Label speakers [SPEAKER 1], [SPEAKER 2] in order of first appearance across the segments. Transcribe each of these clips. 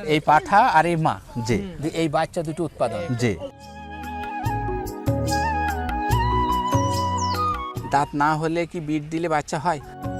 [SPEAKER 1] এই পাঠা আর এই মা,
[SPEAKER 2] জি
[SPEAKER 1] এই বাচ্চা দুটো উৎপাদন।
[SPEAKER 2] জি।
[SPEAKER 1] দাঁত না হলে কি বিট দিলে বাচ্চা হয়?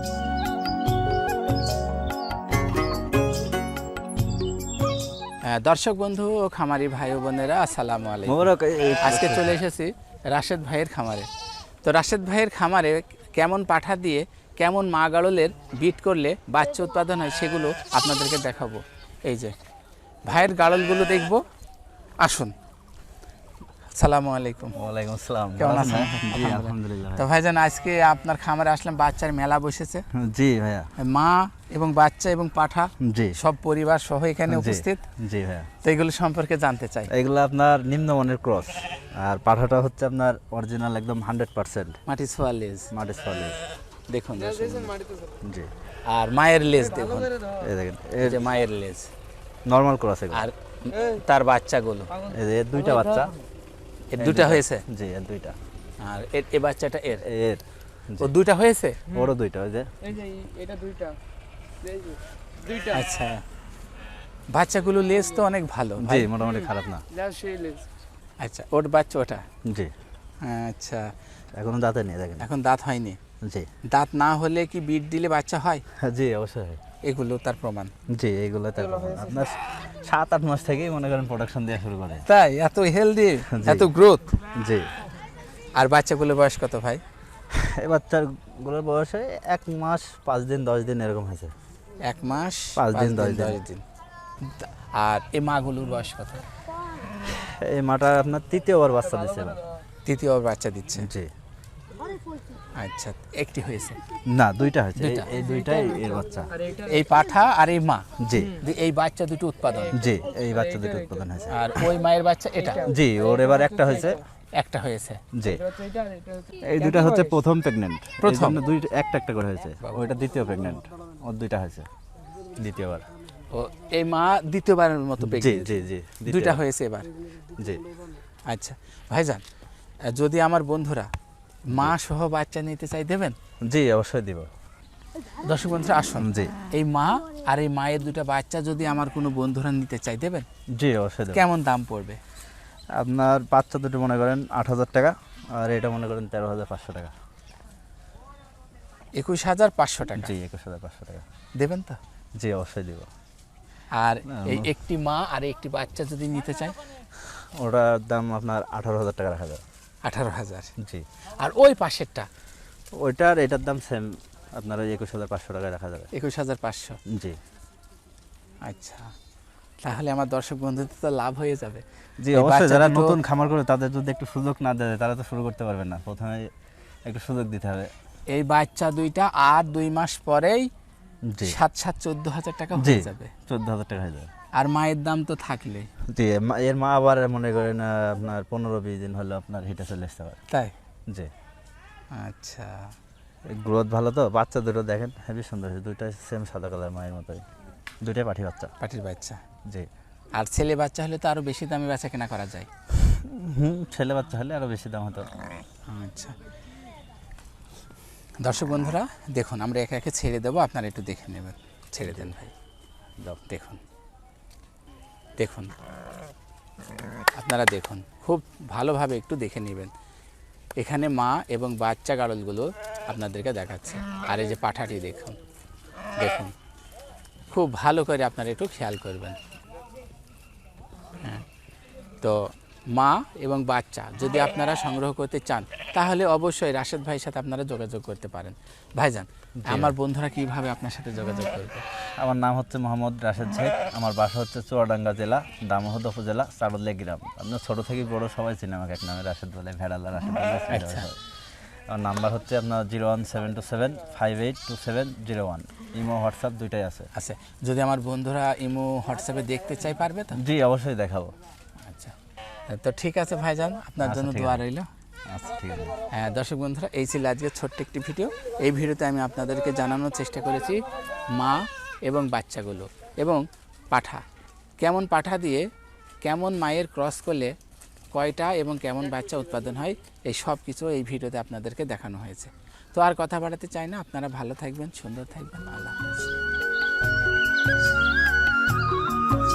[SPEAKER 1] দর্শক বন্ধু ও খামারি ভাই ও বোনেরা, আসসালামু আলাইকুম। আজকে চলে এসেছি রাশেদ ভাইয়ের খামারে। তো রাশেদ ভাইয়ের খামারে কেমন পাঠা দিয়ে কেমন মা গাড়লের বিট করলে বাচ্চা উৎপাদন হয় সেগুলো আপনাদেরকে দেখাবো। এই যে ভাইয়ের গাড়লগুলো দেখবো, আসুন। আসসালামু আলাইকুম।
[SPEAKER 2] ওয়ালাইকুম আসসালাম।
[SPEAKER 1] কেমন আছেন?
[SPEAKER 2] জি আলহামদুলিল্লাহ।
[SPEAKER 1] তো ভাইজান, আজকে আপনার খামারে আসলাম, বাচ্চার মেলা বসেছে।
[SPEAKER 2] জি ভাইয়া।
[SPEAKER 1] মা এবং বাচ্চা এবং পাঠা
[SPEAKER 2] জি
[SPEAKER 1] সব পরিবার সহ এখানে উপস্থিত।
[SPEAKER 2] জি ভাইয়া।
[SPEAKER 1] তো এগুলো সম্পর্কে জানতে চাই।
[SPEAKER 2] এগুলো আপনার নিম্নমানের ক্রস, আর পাঠাটা হচ্ছে আপনার অরিজিনাল একদম 100%
[SPEAKER 1] মাটি ছোঁয়া লেজ
[SPEAKER 2] মাটি সলিড।
[SPEAKER 1] দেখুন।
[SPEAKER 2] জি।
[SPEAKER 1] আর মায়ের লেজ দেখুন,
[SPEAKER 2] এই দেখেন,
[SPEAKER 1] এই যে মায়ের লেজ
[SPEAKER 2] নরমাল ক্রস এগুলো।
[SPEAKER 1] আর তার বাচ্চাগুলো,
[SPEAKER 2] এই যে এর দুইটা বাচ্চা।
[SPEAKER 1] এর দুটা হয়েছে।
[SPEAKER 2] জি এর দুইটা।
[SPEAKER 1] আর এই বাচ্চাটা এর
[SPEAKER 2] এর
[SPEAKER 1] ও দুটা হয়েছে।
[SPEAKER 2] ওরও দুইটা, ওই যে
[SPEAKER 3] এটা দুইটা, এই যে দুইটা।
[SPEAKER 1] আচ্ছা, বাচ্চাগুলো লেজ তো অনেক ভালো
[SPEAKER 2] জি,
[SPEAKER 1] ভাই।
[SPEAKER 2] মোটামুটি খারাপ না।
[SPEAKER 3] যা সেই লেজ।
[SPEAKER 1] আচ্ছা, ওর বাচ্চা ওটা।
[SPEAKER 2] জি,
[SPEAKER 1] আচ্ছা,
[SPEAKER 2] এখনো দাঁতে নেই দেখেন।
[SPEAKER 1] এখন দাঁত হয়নি।
[SPEAKER 2] জি
[SPEAKER 1] দাঁত না হলে কি বিট দিলে বাচ্চা হয়?
[SPEAKER 2] জি অবশ্যই।
[SPEAKER 1] এগুলো তার প্রমাণ।
[SPEAKER 2] জি, এইগুলো তার আপনার 7-8 মাস থেকেই মনে করেন প্রোডাকশন দেওয়া শুরু করে।
[SPEAKER 1] তাই? এত হেলদি,
[SPEAKER 2] জি।
[SPEAKER 1] এত গ্রোথ।
[SPEAKER 2] জি।
[SPEAKER 1] আর বাচ্চাগুলোর বয়স কত ভাই?
[SPEAKER 2] এই বাচ্চাগুলোর বয়স 1 মাস 5 দিন 10 দিন এরকম হয়েছে।
[SPEAKER 1] 1 মাস
[SPEAKER 2] 5 দিন 10
[SPEAKER 1] দিন। আর এই মাগুলোর বয়স কত?
[SPEAKER 2] এই মাটা আপনার তৃতীয়বার বাচ্চা দিচ্ছে এবার।
[SPEAKER 1] তৃতীয়বার বাচ্চা দিচ্ছে।
[SPEAKER 2] জি।
[SPEAKER 1] আচ্ছা, একটি হয়েছে?
[SPEAKER 2] না, দুইটা হয়েছে।
[SPEAKER 1] দুইটা।
[SPEAKER 2] এই দুইটাই এর বাচ্চা।
[SPEAKER 3] আর এইটা
[SPEAKER 1] এই পাঠা আর এই মা,
[SPEAKER 2] জি
[SPEAKER 1] এই বাচ্চা দুটো উৎপাদন।
[SPEAKER 2] জি, এই বাচ্চা দুটো উৎপাদন হয়েছে।
[SPEAKER 1] আর ওই মায়ের বাচ্চা এটা
[SPEAKER 2] জি, ওর এবার একটা হয়েছে।
[SPEAKER 1] একটা হয়েছে।
[SPEAKER 2] জি,
[SPEAKER 3] হচ্ছে এটা আর এটা হচ্ছে।
[SPEAKER 2] এই দুইটা হচ্ছে প্রথম প্রেগন্যান্ট।
[SPEAKER 1] প্রথম?
[SPEAKER 2] দুইটা একটা করে হয়েছে। ওইটা দ্বিতীয় প্রেগন্যান্ট। ওর দুইটা হয়েছে দ্বিতীয়বার।
[SPEAKER 1] ও এই মা দ্বিতীয়বারের মতো
[SPEAKER 2] জি
[SPEAKER 1] pregnant।
[SPEAKER 2] জি জি,
[SPEAKER 1] দুইটা হয়েছে এবার।
[SPEAKER 2] জি
[SPEAKER 1] আচ্ছা ভাইজান, যদি আমার বন্ধুরা মা সহ বাচ্চা নিতে চাই দেবেন?
[SPEAKER 2] জি অবশ্যই দিব।
[SPEAKER 1] দর্শক বন্ধুরা আসুন।
[SPEAKER 2] জি
[SPEAKER 1] এই মা আর এই মায়ের দুটো বাচ্চা যদি আমার কোনো বন্ধুরা নিতে চাই দেবেন?
[SPEAKER 2] জি অবশ্যই দেব।
[SPEAKER 1] কেমন দাম পড়বে?
[SPEAKER 2] আপনার বাচ্চা দুটো মনে করেন 8,000 টাকা, আর এটা মনে করেন 13,500 টাকা।
[SPEAKER 1] 21,500 টাকা।
[SPEAKER 2] জি 21,500 টাকা।
[SPEAKER 1] দেবেন তো?
[SPEAKER 2] জি অবশ্যই দিব।
[SPEAKER 1] আর এই একটি মা আর একটি বাচ্চা যদি নিতে চাই?
[SPEAKER 2] ওটার দাম আপনার 18,000 টাকা রাখা যাবে।
[SPEAKER 1] 18,000।
[SPEAKER 2] জি।
[SPEAKER 1] আর ওই পাশেরটা?
[SPEAKER 2] ওইটার এটার দাম সেম, আপনার ওই 21,500 টাকায় রাখা যাবে।
[SPEAKER 1] 21,500।
[SPEAKER 2] জি
[SPEAKER 1] আচ্ছা, তাহলে আমার দর্শক বন্ধুদের তো লাভ হয়ে যাবে।
[SPEAKER 2] জি
[SPEAKER 1] এই
[SPEAKER 2] অবশ্যই।
[SPEAKER 1] বাচ্চা
[SPEAKER 2] যারা
[SPEAKER 1] দুটো-
[SPEAKER 2] নতুন খামার করে তাদের যদি একটু সুযোগ না দেয় তারা তো শুরু করতে পারবে না। প্রথমে একটু সুযোগ দিতে হবে।
[SPEAKER 1] এই বাচ্চা দুইটা আর 2 মাস পরেই
[SPEAKER 2] জি
[SPEAKER 1] 14,000 টাকা
[SPEAKER 2] জি,
[SPEAKER 1] হয়ে যাবে।
[SPEAKER 2] 14,000 টাকা হয়ে যাবে।
[SPEAKER 1] আর মায়ের দাম তো থাকলে।
[SPEAKER 2] জি, এর মা আবার মনে করেন আপনার 15-20 দিন হলো আপনার হিটে চলে আসতে পারে।
[SPEAKER 1] তাই?
[SPEAKER 2] জি,
[SPEAKER 1] আচ্ছা,
[SPEAKER 2] গ্রোথ ভালো তো। বাচ্চা দুটো দেখেন হেভি সুন্দর হয়েছে, দুইটাই সেম সাদা কালার মায়ের মতোই, দুইটাই পাঠি বাচ্চা।
[SPEAKER 1] পাটির বাচ্চা।
[SPEAKER 2] জি।
[SPEAKER 1] আর ছেলে বাচ্চা হলে তো আরো বেশি দামে বেচা কেনা করা যায়।
[SPEAKER 2] ছেলে বাচ্চা হলে আরো বেশি দাম হতো।
[SPEAKER 1] আচ্ছা, দর্শক বন্ধুরা দেখুন, আমরা একে একে ছেড়ে দেবো, আপনারা একটু দেখে নেবেন। ছেড়ে দেন ভাই।
[SPEAKER 2] যাও।
[SPEAKER 1] দেখুন দেখুন, আপনারা দেখুন, খুব ভালোভাবে একটু দেখে নেবেন। এখানে মা এবং বাচ্চা গাড়লগুলো আপনাদেরকে দেখাচ্ছে। আর এই যে পাঠাটি দেখুন, দেখুন, খুব ভালো করে আপনারা একটু খেয়াল করবেন। হ্যাঁ, তো মা এবং বাচ্চা যদি আপনারা সংগ্রহ করতে চান তাহলে অবশ্যই রাশেদ ভাইয়ের সাথে আপনারা যোগাযোগ করতে পারেন। ভাইজান, আমার বন্ধুরা কিভাবে আপনার সাথে যোগাযোগ করবে?
[SPEAKER 2] আমার নাম হচ্ছে মোহাম্মদ রাশেদ শেখ। আমার বাসা হচ্ছে চুয়াডাঙ্গা জেলা, দামোহদ উপজেলা, চারুলিয়া গ্রাম। আপনার ছোটো থেকে বড় সবাই চিনে আমাকে এক নামে, রাশেদ বলে, ভেড়ালা রাশেদ বলে।
[SPEAKER 1] আচ্ছা।
[SPEAKER 2] আমার নাম্বার হচ্ছে আপনার 01727582701। ইমো হোয়াটসঅ্যাপ দুইটাই আছে।
[SPEAKER 1] আচ্ছা, যদি আমার বন্ধুরা ইমো হোয়াটসঅ্যাপে দেখতে চাই পারবে তো?
[SPEAKER 2] জি অবশ্যই দেখাবো।
[SPEAKER 1] আচ্ছা, তো ঠিক আছে ভাইজান, আপনার
[SPEAKER 2] আচ্ছা,
[SPEAKER 1] জন্য
[SPEAKER 2] ঠিক
[SPEAKER 1] দোয়া
[SPEAKER 2] আছে।
[SPEAKER 1] রইল।
[SPEAKER 2] আচ্ছা ঠিক আছে।
[SPEAKER 1] হ্যাঁ দর্শক বন্ধুরা, এই ছিল আজকে ছোট্ট একটি ভিডিও। এই ভিডিওতে আমি আপনাদেরকে জানানোর চেষ্টা করেছি মা এবং বাচ্চাগুলো এবং পাঠা, কেমন পাঠা দিয়ে কেমন মায়ের ক্রস করলে কয়টা এবং কেমন বাচ্চা উৎপাদন হয়, এই সব কিছু এই ভিডিওতে আপনাদেরকে দেখানো হয়েছে। তো আর কথা বাড়াতে চাই না, আপনারা ভালো থাকবেন, সুন্দর থাকবেন। আল্লাহ হাফেজ।